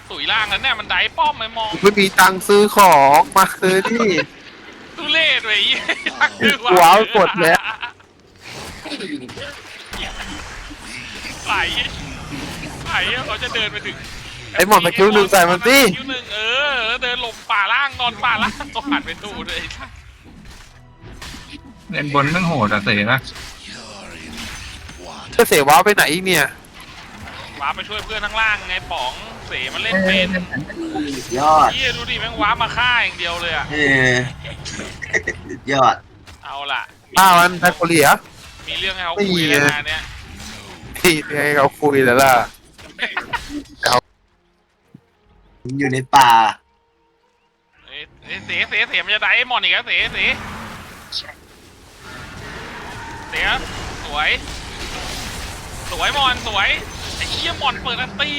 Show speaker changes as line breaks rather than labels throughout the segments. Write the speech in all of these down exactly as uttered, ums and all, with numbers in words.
ตุ๋ยล่างแล้วเนี่ยมันได้ป้อมไม่มอง
ไม่มีตังค์ซื้อของมาซื้อที่
ทุเรศเลยตัก
ว้าวกดแล้ว
ไหลไหลเขาจะเดินไปถึง
ไอ้หมอนตะคิวหนึ่งใส่มันสิ
คิวหนึ่งเออแล้วเดินหลบป่าล่างนอนป่าล่างก็ผ่านไปตู้เลย
เล่นบนนั่งโหดอะเสนะ
จะเสียว้าวไปไหนอีกเนี่ย
ว้าไปช่วยเพื่อนข้างล่างไงป๋องเสมันเล่นเป็น
ยอด
เฮียดูดิแม่งว้ามาฆ่าอย่างเดียวเลยอะ
เออยอด
เอาล่ะ
อ้าวมันไทโคเลีย
มีเรื่องให้เขาคุยแล้วนะเนี่ย
ที่ให้เขาคุยแล้วล่ะ
อยู่ในป่า
เอ้ยเอ้ยเสเสเสมันจะได้ไอ้มอนอีกแล้วเสเสเสสวยสวยมอนสวยไอ้เชี่ยมอนเปิดอันตี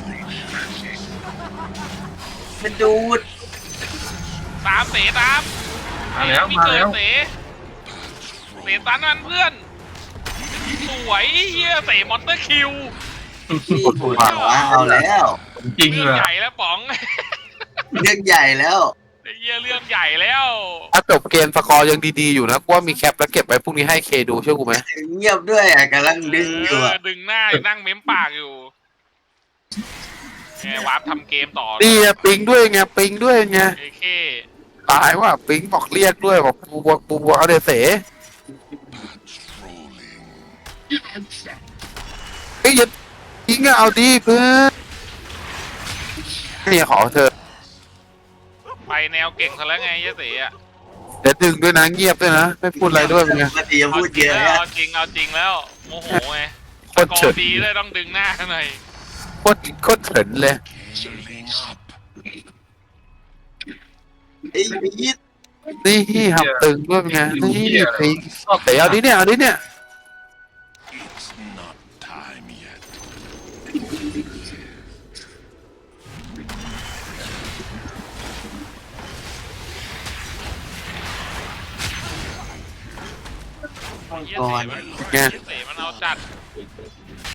มันดูด
ตามเสตาม
มาแล้ว
มี
มา
เกิ
แล้
ด
ว
เสเสตันมันเพื่อนสวยเฮียเสมอนเตอร์คิว
นี่ถูกว้าเอาแล้ว
จริง
เรื่
เล
อง
ย
ใหญ่แล้วป๋อง
เรื่องใหญ่แล้ว
ไอ้เฮียเรื่องใหญ่แล้ว
ถ้าจบเกมสกอร์ยังดีๆอยู่นะกูว่ามีแคปแล้วเก็บไว้พรุ่งนี้ให้เคดูเชื่อกูไหม
เงียบด้วยอ่ะกำลังดึงอยู่
เอ
อ่ะ
อดึงหน้านั่งเม้มปากอยู่ไงวาร์ปทำเกมต่อ
นี่ไงปิงด้วยไงปิงด้วยไง
เอเค
ตายว่าปิงบอกเรียกด้วยบอกปูบัวปูบัวเอาเดเสเฮ้ยอย่าปิงอะเอาดีเพื่อนเนี่ยขอเธอ
ไปแนวเก่งซะแล้วไงยะเสอ่ะ
เดี๋ยวดึงด้วยนะเงียบด้วยนะไม่พูดอะไรด้วยเป็นไง
ปกติจะพูดเยอะ
เอา
นะ
เอาจริงเอาจริงแล้วโมโหไง
โค
ส
ตร
กอ
เฉิน
ร์ดีเลยต้องดึงหน้าหน่อย
โคตรโคตรเฉินเลย
ไอ้ยีด
นี่หับตึงด้วยเป็นไงนี่ปิงแต่เอาดิเนี่ยเอาดิเนี่ย
เยี่ยเสมันเยี่ยเสมันเอาจัด